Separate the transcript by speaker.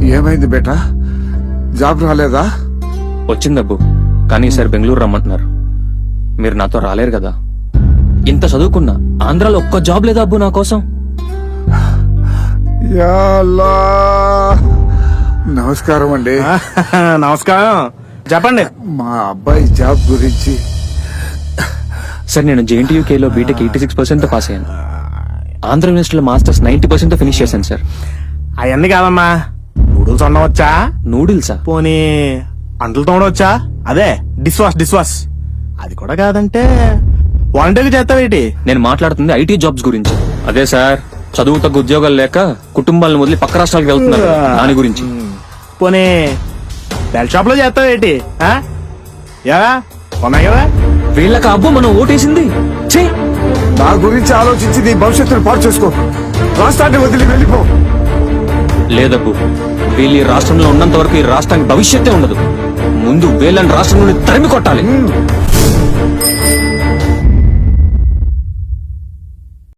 Speaker 1: ఏమైంది బేటా? జాబ్ రాలేదా?
Speaker 2: వచ్చిందబ్బు, కానీ ఈసారి బెంగళూరు రమ్మంటున్నారు. మీరు నాతో రాలేరు కదా. ఇంత చదువుకున్నా ఆంధ్రాలో ఒక్క జాబ్ లేదా అబ్బు నా కోసం.
Speaker 1: యా అల్లా. నమస్కారం అండి.
Speaker 3: నమస్కారం, చెప్పండి.
Speaker 1: మా అబ్బాయి జాబ్ గురించి.
Speaker 2: సార్, నేను JNTUKలో బీటెక్ 86% పాస్ అయ్యాను. ఆంధ్ర యూనివర్సిటీలో మాస్టర్స్ 90% ఫినిష్ చేశాను సార్.
Speaker 3: అవన్నీ కాదమ్మా, నూడిల్స్ వండవచ్చా?
Speaker 2: నూడిల్సా?
Speaker 3: పోనీ అంటలు తోడవచ్చా? అదే డిష్ వాష్. అది కూడా కాదంటే వంటకి చేస్తావేటి?
Speaker 2: నేను మాట్లాడుతుంది IT జాబ్స్ గురించి. అదే సార్, చదువు తగ్గ ఉద్యోగాలు లేక కుటుంబాలను వదిలి పక్క రాష్ట్రాలకు వెళ్తున్నారు, దాని గురించి.
Speaker 3: పోనీ బెల్ షాప్ లో చేస్తావేటి? ఉన్నాయి కదా.
Speaker 2: వీళ్ళకి అబ్బు మనం ఓటేసింది. ఛీ!
Speaker 1: నా గురించి ఆలోచించి నీ భవిష్యత్తును పాడు చేసుకో. రాష్ట్రాన్ని వదిలి వెళ్ళిపో.
Speaker 2: లేదబ్బు, వీళ్ళు ఈ రాష్ట్రంలో ఉన్నంత వరకు ఈ రాష్ట్రానికి భవిష్యత్తే ఉండదు. ముందు వీళ్ళని రాష్ట్రం నుండి తరిమి కొట్టాలి.